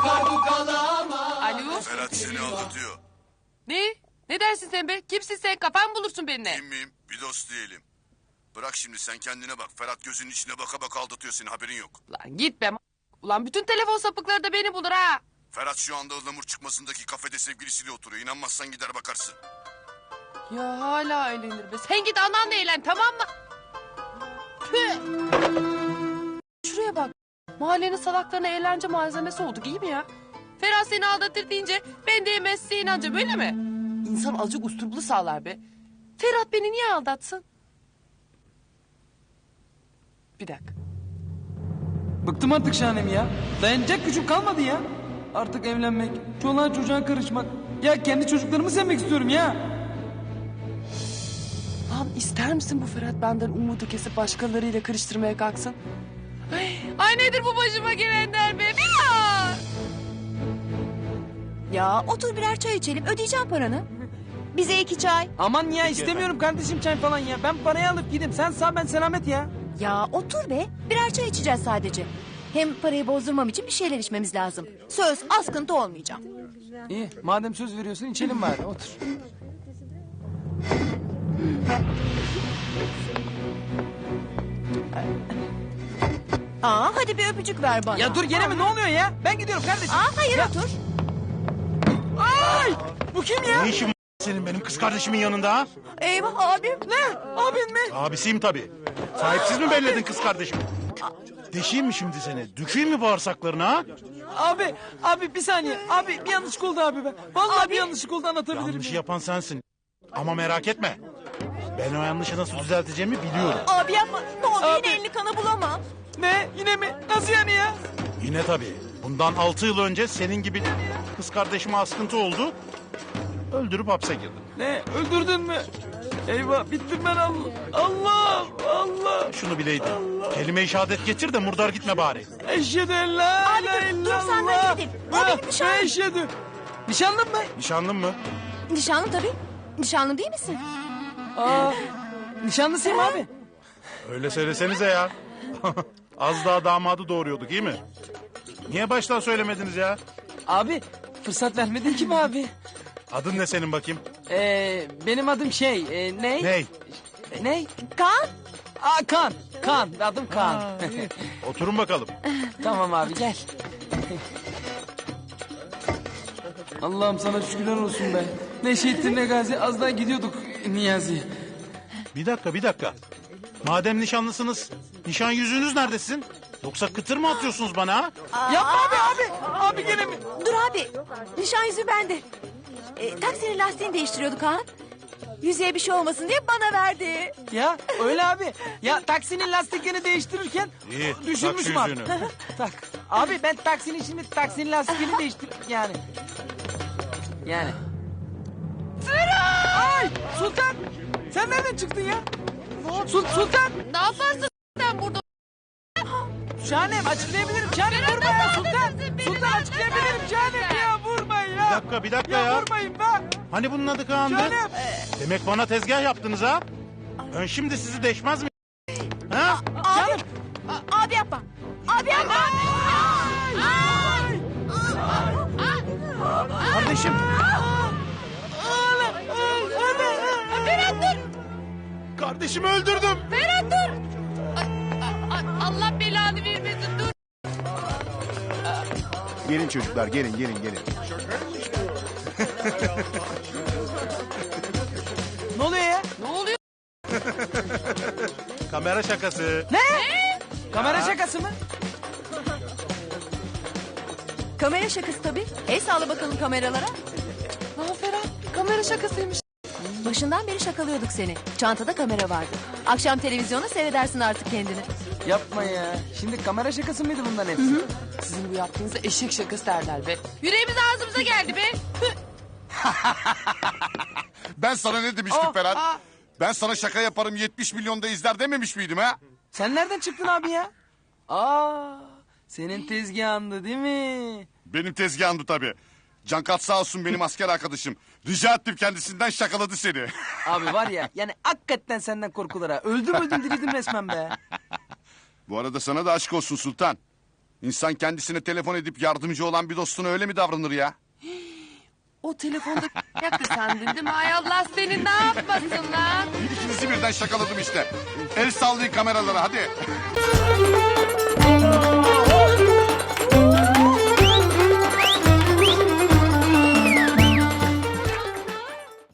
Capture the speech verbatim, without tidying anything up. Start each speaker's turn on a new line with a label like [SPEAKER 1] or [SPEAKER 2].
[SPEAKER 1] Alo?
[SPEAKER 2] Ferhat seni aldatıyor.
[SPEAKER 1] Ne? Ne dersin sen be? Kimsin sen? Kafan bulursun benimle.
[SPEAKER 2] Kim miyim? Bir dost diyelim. Bırak şimdi sen kendine bak. Ferhat gözünün içine baka baka aldatıyor seni, haberin yok.
[SPEAKER 1] Lan git be. Ulan bütün telefon sapıkları da beni bulur ha.
[SPEAKER 2] Ferhat şu anda ıhlamur çıkmasındaki kafede sevgilisiyle oturuyor. İnanmazsan gider bakarsın.
[SPEAKER 1] Ya hala eğlenir be. Sen git ananla eğlen, tamam mı? Püh! Şuraya bak. Mahallenin salaklarına eğlence malzemesi olduk, iyi mi ya? Ferhat seni aldatır deyince ben de yemezse inanca, böyle mi? İnsan azıcık usturuplu sağlar be. Ferhat beni niye aldatsın? Bir dakika.
[SPEAKER 3] Bıktım artık Şahanem ya. Dayanacak gücüm kalmadı ya. Artık evlenmek, çoluğa çocuğa karışmak. Ya kendi çocuklarımı sevmek istiyorum ya.
[SPEAKER 1] Lan ister misin bu Ferhat benden umudu kesip başkalarıyla karıştırmaya kalksın? Ay, ay nedir bu başıma gelenler be? Ya!
[SPEAKER 4] Ya otur birer çay içelim, ödeyeceğim paranı. Bize iki çay.
[SPEAKER 3] Aman ya istemiyorum kardeşim çay falan ya. Ben parayı alıp gideyim. Sen sağ ben selamet ya.
[SPEAKER 4] Ya otur be, birer çay içeceğiz sadece. Hem parayı bozdurmam için bir şeyler içmemiz lazım. Söz, askıntı olmayacağım.
[SPEAKER 3] İyi madem söz veriyorsun içelim bari otur.
[SPEAKER 4] Aa, hadi bir öpücük ver bana.
[SPEAKER 3] Ya dur gene mi ne oluyor ya? Ben gidiyorum kardeşim.
[SPEAKER 4] Aa, hayır
[SPEAKER 3] Ya-
[SPEAKER 4] otur.
[SPEAKER 3] Ay! Bu kim ya?
[SPEAKER 5] Ne işin var senin benim kız kardeşimin yanında ha?
[SPEAKER 4] Eyvah abim.
[SPEAKER 3] Ne? Abin mi?
[SPEAKER 5] Abisiyim tabii. Sahipsiz mi belledin kız kardeşimi? Deşeyim mi şimdi seni? Dökeyim mi bağırsaklarına ha?
[SPEAKER 3] Abi, abi bir saniye. Abi bir yanlışlık oldu abi be. Vallahi
[SPEAKER 4] Abi.
[SPEAKER 3] bir yanlışlık oldu anlatabilirim.
[SPEAKER 5] Yanlışı yapan sensin. Ama merak etme. Ben o yanlışı nasıl düzelteceğimi biliyorum.
[SPEAKER 4] Abi yapma, ne olur
[SPEAKER 3] Abi.
[SPEAKER 4] yine elini kana bulama.
[SPEAKER 3] Ne? Yine mi? Nasıl yani ya?
[SPEAKER 5] Yine tabii. Bundan altı yıl önce senin gibi kız kardeşime askıntı oldu. Öldürüp hapse girdim.
[SPEAKER 3] Ne? Öldürdün mü? Eyvah bittim ben Allah. Allah Allah.
[SPEAKER 5] Şunu bileydin. Kelime-i şehadet getir de murdar gitme bari.
[SPEAKER 3] Eşhedü en la
[SPEAKER 4] Abi
[SPEAKER 3] ilahe
[SPEAKER 4] dur, dur
[SPEAKER 3] illallah.
[SPEAKER 4] sen ben gideyim. O
[SPEAKER 3] Ve-
[SPEAKER 4] benim nişanlım.
[SPEAKER 3] ve Eşhedü. Nişanlın mı?
[SPEAKER 5] Nişanlın mı?
[SPEAKER 4] Nişanlı tabii. Nişanlı değil misin?
[SPEAKER 3] Aa, nişanlısıyım abi.
[SPEAKER 5] Öyle söylesenize ya. Az daha damadı doğuruyorduk iyi mi? Niye baştan söylemediniz ya?
[SPEAKER 3] Abi fırsat vermedin ki mi abi?
[SPEAKER 5] Adın ne senin bakayım?
[SPEAKER 3] Ee, benim adım şey, e, ne?
[SPEAKER 5] Ney?
[SPEAKER 3] Ne?
[SPEAKER 4] Kaan.
[SPEAKER 3] Aa, Kaan. Kaan, adım Kaan.
[SPEAKER 5] Oturun bakalım.
[SPEAKER 3] Tamam abi gel. Allah'ım sana şükürler olsun be. Ne şehittin ne gazi az daha gidiyorduk Niyazi.
[SPEAKER 5] Bir dakika bir dakika. Madem nişanlısınız, nişan yüzüğünüz nerede sizin? Yoksa kıtır mı atıyorsunuz bana ha?
[SPEAKER 3] Yapma abi abi. Abi gene mi?
[SPEAKER 4] Dur abi, nişan yüzüğü bende. E, taksinin lastiğini değiştiriyorduk Kaan. Yüzüğe bir şey olmasın diye bana verdi.
[SPEAKER 3] Ya öyle abi. Ya taksinin lastiklerini değiştirirken
[SPEAKER 5] İyi, tak
[SPEAKER 3] düşürmüşüm
[SPEAKER 5] şu
[SPEAKER 3] abi.
[SPEAKER 5] yüzüğünü.
[SPEAKER 3] Tak. Abi ben taksinin şimdi taksinin lastiğini değiştir yani. Yani. Ay Sultan. Sen nereden çıktın ya? Sul Sultan.
[SPEAKER 1] Ne yaparsın sen burada?
[SPEAKER 3] Şahanem açıklayabilirim. Şahanem vurma ya Sultan. Sultan açıklayabilirim Şahanem ya vurmayın ya.
[SPEAKER 5] Bir dakika bir dakika
[SPEAKER 3] Ya
[SPEAKER 5] ya.
[SPEAKER 3] vurmayın be.
[SPEAKER 5] Hani bunun adı Kaan'dı?
[SPEAKER 3] Şahanem.
[SPEAKER 5] Demek bana tezgah yaptınız ha? Ben şimdi sizi deşmez mi? Ha?
[SPEAKER 3] Şahanem.
[SPEAKER 4] A- abi yapma. Abi yapma.
[SPEAKER 5] Kardeşim.
[SPEAKER 1] Ferhat dur!
[SPEAKER 5] Kardeşimi öldürdüm.
[SPEAKER 1] Ferhat dur! Ay, ay, Allah belanı vermesin, dur!
[SPEAKER 6] Gelin çocuklar gelin gelin gelin.
[SPEAKER 3] Ne oluyor ya?
[SPEAKER 1] Ne oluyor?
[SPEAKER 5] Kamera şakası.
[SPEAKER 3] Ne? Kamera şakası mı?
[SPEAKER 4] Kamera şakası tabii. El sağla bakalım kameralara.
[SPEAKER 1] Lan Ferhat, kamera şakasıymış.
[SPEAKER 4] Başından beri şakalıyorduk seni. Çantada kamera vardı. Akşam televizyonda seyredersin artık kendini.
[SPEAKER 3] Yapma ya. Şimdi kamera şakası mıydı bunların hepsi?
[SPEAKER 1] Sizin bu yaptığınıza eşek şakası derler be. Yüreğimiz ağzımıza geldi be.
[SPEAKER 2] Ben sana ne demiştim
[SPEAKER 3] Oh,
[SPEAKER 2] Ferhat?
[SPEAKER 3] ah.
[SPEAKER 2] Ben sana şaka yaparım yetmiş milyonda izler dememiş miydim ha?
[SPEAKER 3] Sen nereden çıktın abi ya? Aa, senin tezgahındı değil mi?
[SPEAKER 2] Benim tezgahımdı tabii. Cankat sağ olsun benim asker arkadaşım. Rica ettim kendisinden, şakaladı seni.
[SPEAKER 3] Abi var ya yani hakikaten senden korkulur ha. Öldüm öldüm dirildim resmen be.
[SPEAKER 2] Bu arada sana da aşk olsun Sultan. İnsan kendisine telefon edip yardımcı olan bir dostuna öyle mi davranır ya?
[SPEAKER 1] O telefonda yaktı sandın değil mi? Ay Allah seni ne yapmasın lan?
[SPEAKER 2] İkinizi birden şakaladım işte. El sallayın kameralara hadi.